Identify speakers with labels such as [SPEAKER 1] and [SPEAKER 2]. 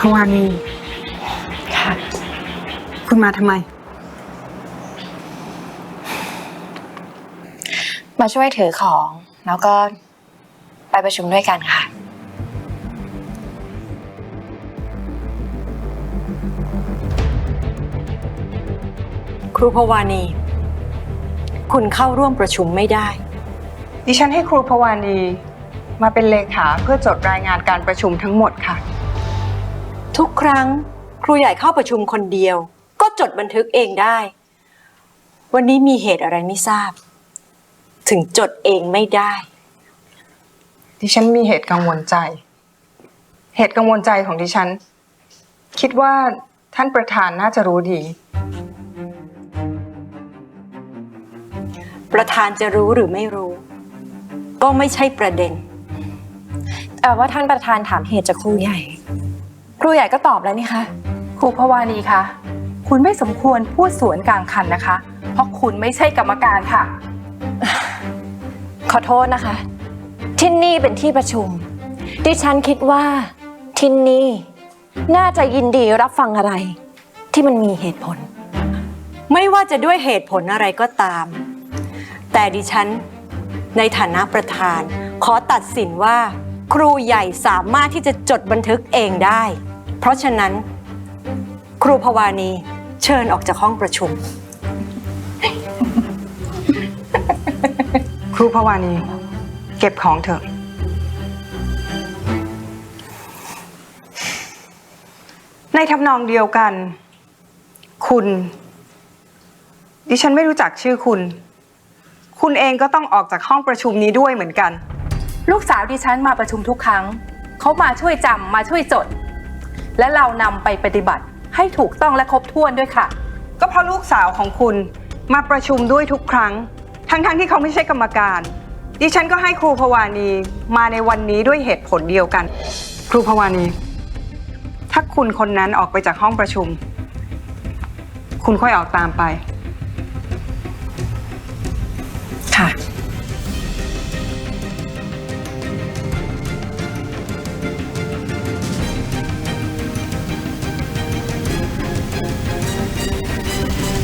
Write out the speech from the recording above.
[SPEAKER 1] วานี
[SPEAKER 2] ค่ะ
[SPEAKER 1] คุณมาทำไม
[SPEAKER 2] มาช่วยถือของแล้วก็ไปประชุมด้วยกันค่ะ
[SPEAKER 3] ครูพวานีคุณเข้าร่วมประชุมไม่ได้
[SPEAKER 1] ดิฉันให้ครูพวานีมาเป็นเลขาเพื่อจดรายงานการประชุมทั้งหมดค่ะ
[SPEAKER 3] ทุกครั้งครูใหญ่เข้าประชุมคนเดียวก็จดบันทึกเองได้วันนี้มีเหตุอะไรไม่ทราบถึงจดเองไม่ได้
[SPEAKER 1] ดิฉันมีเหตุกังวลใจ เหตุกังวลใจของดิฉันคิดว่าท่านประธานน่าจะรู้ดี
[SPEAKER 3] ประธานจะรู้หรือไม่รู้ก็ไม่ใช่ประเด็น
[SPEAKER 2] แต่ว่าท่านประธานถามเหตุจากครูใหญ่ครูใหญ่ก็ตอบแล้วนี่คะ
[SPEAKER 4] ครูพวานีคะคุณไม่สมควรพูดสวนกลางคันนะคะเพราะคุณไม่ใช่กรรมการค่ะ
[SPEAKER 2] ขอโทษนะคะที่นี่เป็นที่ประชุมดิฉันคิดว่าที่นี่น่าจะยินดีรับฟังอะไรที่มันมีเหตุผล
[SPEAKER 3] ไม่ว่าจะด้วยเหตุผลอะไรก็ตามแต่ดิฉันในฐานะประธานขอตัดสินว่าครูใหญ่สามารถที่จะจดบันทึกเองได้เพราะฉะนั้นครูพวานีเชิญออกจากห้องประชุม
[SPEAKER 1] ครูพวานีเก็บของเถอะในทำนองเดียวกันคุณดิฉันไม่รู้จักชื่อคุณเองก็ต้องออกจากห้องประชุมนี้ด้วยเหมือนกัน
[SPEAKER 4] ลูกสาวดิฉันมาประชุมทุกครั้งเขามาช่วยจำมาช่วยจดและเรานำไปปฏิบัติให้ถูกต้องและครบถ้วนด้วยค่ะ
[SPEAKER 1] ก็เพราะลูกสาวของคุณมาประชุมด้วยทุกครั้งทั้งที่เขาไม่ใช่กรรมการดิฉันก็ให้ครูพวานีมาในวันนี้ด้วยเหตุผลเดียวกันครูพวานีถ้าคุณคนนั้นออกไปจากห้องประชุมคุณค่อยออกตามไป